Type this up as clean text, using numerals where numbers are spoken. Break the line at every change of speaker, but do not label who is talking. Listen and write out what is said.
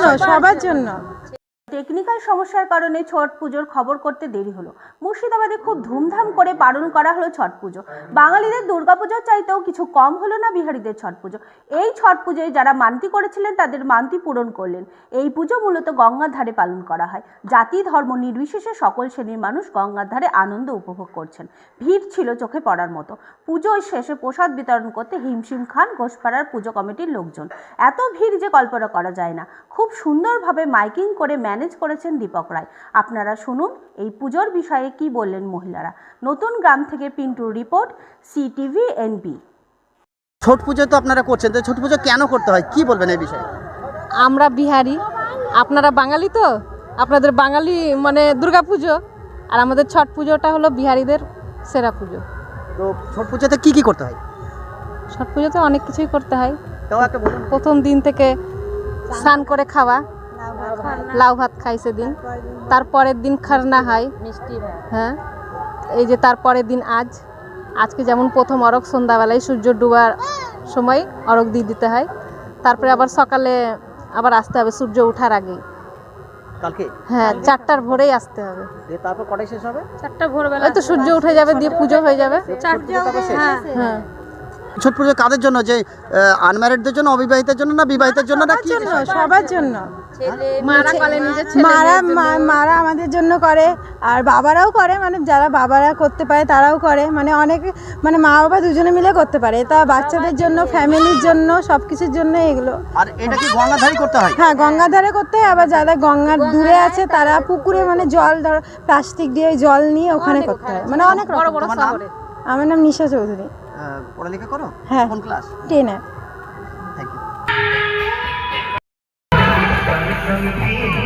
সবার জন্য।
টেকনিক্যাল সমস্যার কারণে ছট পুজোর খবর করতে দেরি হলো। মুর্শিদাবাদে খুব ধুমধাম করে পালন করা হলো ছট পুজো। বাঙালিদের দুর্গাপুজোর চাইতেও কিছু কম হলো না বিহারীদের ছট পুজো। এই ছট পুজোয় যারা মানতি করেছিলেন তাদের মানতি পূরণ করলেন। এই পুজো মূলত গঙ্গার ধারে পালন করা হয়। জাতি ধর্ম নির্বিশেষে সকল শ্রেণীর মানুষ গঙ্গার ধারে আনন্দ উপভোগ করছেন। ভিড় ছিল চোখে পড়ার মতো। পুজোর শেষে প্রসাদ বিতরণ করতে হিমশিম খান ঘোষপাড়ার পুজো কমিটির লোকজন। এত ভিড় যে কল্পনা করা যায় না। খুব সুন্দরভাবে মাইকিং করে ম্যানেজ করেছেন দীপক রায়। আপনারা শুনুন এই পুজোর বিষয়ে কি বললেন মহিলারা। নতুন গ্রাম থেকে পিন্টুর report, CTV NB.
Chhath Puja তো আপনারা করছেন, তো ছট পুজো কেন করতে হয় কি বলবেন এই বিষয়ে?
আমরা বিহারি, আপনারা বাঙালি, তো আপনাদের বাঙালি মানে দুর্গা পুজো, আর আমাদের ছট পুজোটা হলো বিহারিদের সেরা পুজো।
তো ছট পুজোতে কি করতে হয়?
ছট পুজোতে অনেক কিছুই করতে হয়।
তাও একটা বলুন।
প্রথম দিন থেকে স্নান করে খাওয়া, লাউ ভাত খাই সেদিন। তারপরের দিন খারনা হয়, হ্যাঁ। এই যে তারপরের দিন আজকে যেমন প্রথম অরগ সন্ধ্যাবেলায় সূর্য ডুবার সময় অরগ দিয়ে দিতে হয়। তারপরে আবার সকালে আবার আসতে হবে সূর্য ওঠার আগে।
কালকে
হ্যাঁ, 4টার ভোরেই আসতে হবে।
তারপর কটায় শেষ হবে?
4টা ভোরবেলা, ওই তো সূর্য উঠে যাবে, দিয়ে পুজো হয়ে যাবে। হ্যাঁ হ্যাঁ।
ছট পুজো কাদের জন্য? যে আনম্যারিডদের জন্য, অবিবাহিতের জন্য, না বিবাহিতের জন্য, না কি?
সবার জন্য।
মারা করে নিজের ছেলে
মারা আমাদের জন্য করে, আর বাবারাও করে, মানে যারা বাবারা করতে পারে তারাও করে, মানে অনেকে, মানে মা বাবা দুজনে মিলে করতে পারে। তা বাচ্চাদের জন্য, ফ্যামিলির জন্য, সব কিছুর জন্য এগুলো।
আর এটা কি গঙ্গার ধারে করতে হয়?
হ্যাঁ, গঙ্গার ধারে করতে হয়। আবার যারা গঙ্গার দূরে আছে তারা পুকুরে, মানে জল ধর প্লাস্টিক দিয়ে জল নিয়ে ওখানে করতে হয়, মানে অনেক
বড়
রকম।
বড় শহরে।
আমার নাম নিশা চৌধুরী।
পড়ালেখা করো?
হ্যাঁ।
কোন ক্লাস?
10-এ।
Thank you.